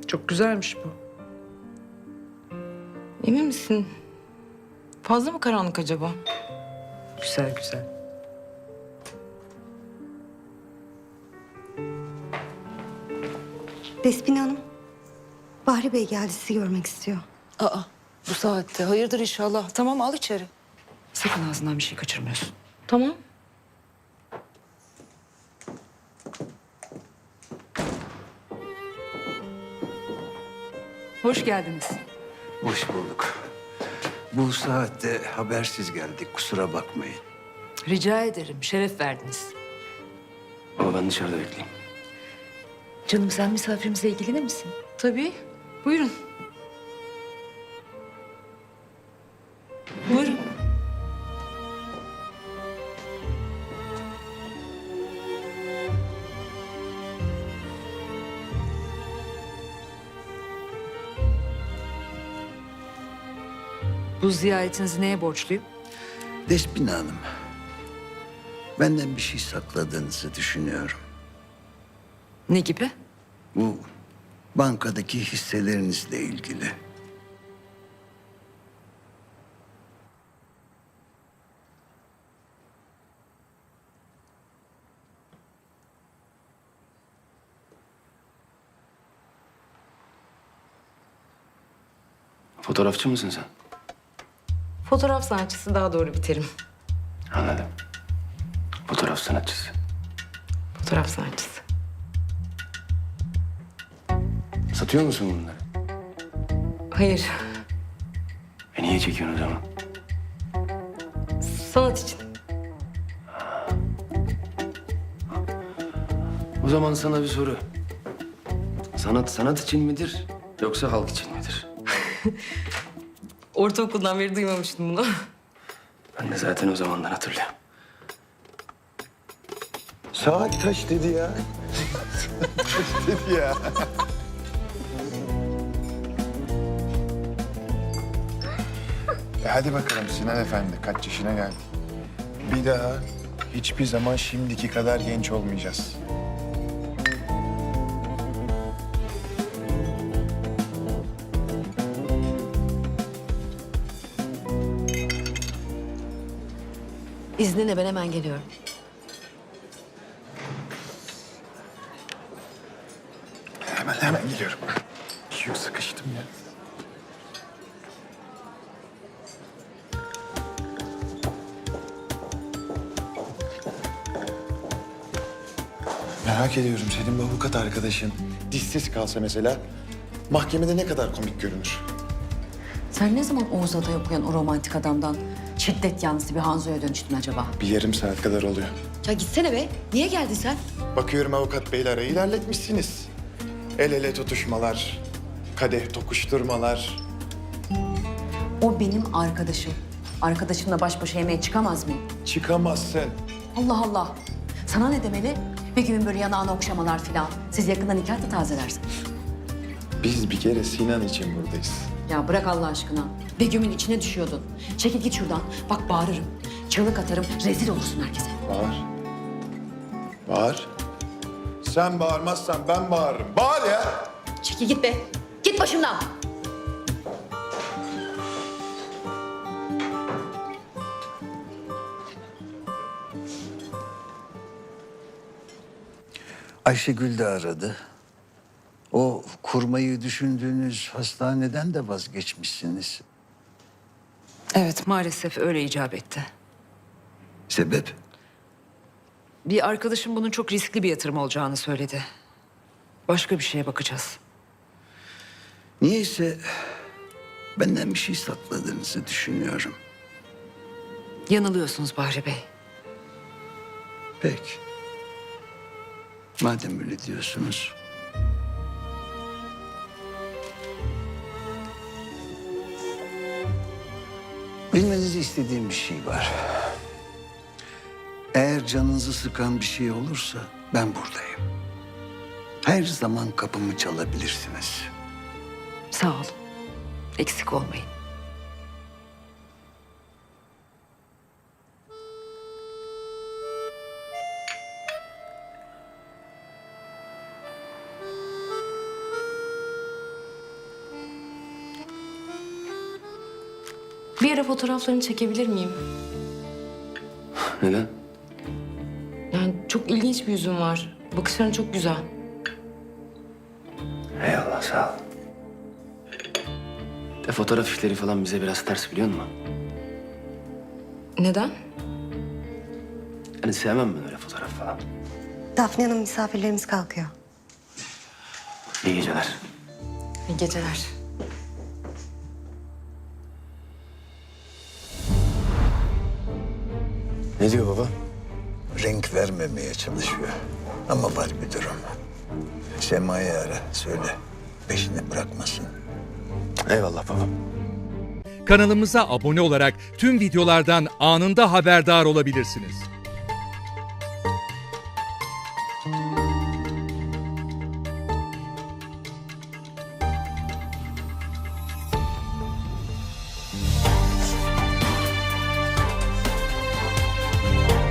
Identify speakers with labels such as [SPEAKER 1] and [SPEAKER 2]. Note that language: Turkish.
[SPEAKER 1] Çok güzelmiş bu. Emin misin? Fazla mı karanlık acaba? Güzel güzel.
[SPEAKER 2] Despina Hanım, Bahri Bey geldi, sizi görmek istiyor.
[SPEAKER 3] Aa, bu saatte. Hayırdır inşallah. Tamam, al içeri. Sakın ağzından bir şey kaçırmıyorsun.
[SPEAKER 1] Tamam.
[SPEAKER 3] Hoş geldiniz.
[SPEAKER 4] Hoş bulduk. Bu saatte habersiz geldik, kusura bakmayın.
[SPEAKER 3] Rica ederim. Şeref verdiniz.
[SPEAKER 5] Ama ben dışarıda bekleyeyim.
[SPEAKER 3] Canım, sen misafirimizle ilgilenir misin?
[SPEAKER 1] Tabii. Buyurun.
[SPEAKER 3] Buyurun. Bu ziyaretinizi neye borçluyum?
[SPEAKER 4] Despina Hanım, benden bir şey sakladığınızı düşünüyorum.
[SPEAKER 3] Ne gibi?
[SPEAKER 4] Bu bankadaki hisselerinizle ilgili.
[SPEAKER 5] Fotoğrafçı mısın sen?
[SPEAKER 1] Fotoğraf sanatçısı, daha doğru bir terim.
[SPEAKER 5] Anladım. Fotoğraf sanatçısı.
[SPEAKER 1] Fotoğraf sanatçısı.
[SPEAKER 5] Satıyor musun bunları?
[SPEAKER 1] Hayır.
[SPEAKER 5] Niye çekiyorsun o zaman?
[SPEAKER 1] Sanat için.
[SPEAKER 5] O zaman sana bir soru. Sanat sanat için midir yoksa halk için midir?
[SPEAKER 1] Ortaokuldan beri duymamıştım bunu.
[SPEAKER 5] Ben de zaten o zamandan hatırlıyorum.
[SPEAKER 4] Saat kaç dedi ya? Kaç dedi ya?
[SPEAKER 6] Hadi bakalım Sinan Efendi, kaç yaşına geldik. Bir daha hiçbir zaman şimdiki kadar genç olmayacağız.
[SPEAKER 3] İzninle ben hemen geliyorum.
[SPEAKER 6] Hemen geliyorum. Çok sıkıştım ya. Merak ediyorum, senin bu avukat arkadaşın dişsiz kalsa mesela mahkemede ne kadar komik görünür?
[SPEAKER 7] Sen ne zaman Oğuz Atay okuyan o romantik adamdan şiddet yanlısı bir Hanzo'ya dönüştün acaba?
[SPEAKER 6] Bir yarım saat kadar oluyor.
[SPEAKER 7] Ya gitsene be. Niye geldin sen?
[SPEAKER 6] Bakıyorum avukat beyle arayı ilerletmişsiniz. El ele tutuşmalar, kadeh tokuşturmalar.
[SPEAKER 7] O benim arkadaşım. Arkadaşımla baş başa yemeğe çıkamaz mıyım?
[SPEAKER 6] Çıkamazsın.
[SPEAKER 7] Allah Allah. Sana ne demeli? Bir gün böyle yanağına okşamalar filan. Siz yakında nikah da tazelersiniz.
[SPEAKER 6] Biz bir kere Sinan için buradayız.
[SPEAKER 7] Ya bırak Allah aşkına. Begüm'ün içine düşüyordun. Çekil git şuradan. Bak bağırırım. Çığlık atarım. Rezil olursun herkese.
[SPEAKER 6] Bağır. Bağır. Sen bağırmazsan ben bağırırım. Bağır ya.
[SPEAKER 7] Çekil git be. Git başımdan.
[SPEAKER 4] Ayşegül de aradı. O kurmayı düşündüğünüz hastaneden de vazgeçmişsiniz.
[SPEAKER 3] Evet, maalesef öyle icap etti.
[SPEAKER 4] Sebep?
[SPEAKER 3] Bir arkadaşım bunun çok riskli bir yatırım olacağını söyledi. Başka bir şeye bakacağız.
[SPEAKER 4] Niyeyse benden bir şey sakladığınızı düşünüyorum.
[SPEAKER 3] Yanılıyorsunuz Bahri Bey.
[SPEAKER 4] Peki. Madem öyle diyorsunuz. Bilmenizi istediğim bir şey var. Eğer canınızı sıkan bir şey olursa ben buradayım. Her zaman kapımı çalabilirsiniz.
[SPEAKER 3] Sağ olun. Eksik olmayın.
[SPEAKER 1] Bir ara fotoğraflarını çekebilir miyim?
[SPEAKER 5] Neden?
[SPEAKER 1] Yani çok ilginç bir yüzün var. Bakışların çok güzel.
[SPEAKER 5] Eyvallah, sağ ol. De fotoğraf işleri falan bize biraz ters, biliyor musun?
[SPEAKER 1] Neden?
[SPEAKER 5] Yani sevmem ben öyle fotoğraf falan.
[SPEAKER 2] Dafne Hanım, misafirlerimiz kalkıyor.
[SPEAKER 5] İyi geceler.
[SPEAKER 1] İyi geceler.
[SPEAKER 5] Ne diyor baba?
[SPEAKER 4] Renk vermemeye çalışıyor. Ama var bir durum. Sema'yı ara, söyle. Peşini bırakmasın.
[SPEAKER 5] Eyvallah babam.
[SPEAKER 8] Kanalımıza abone olarak tüm videolardan anında haberdar olabilirsiniz.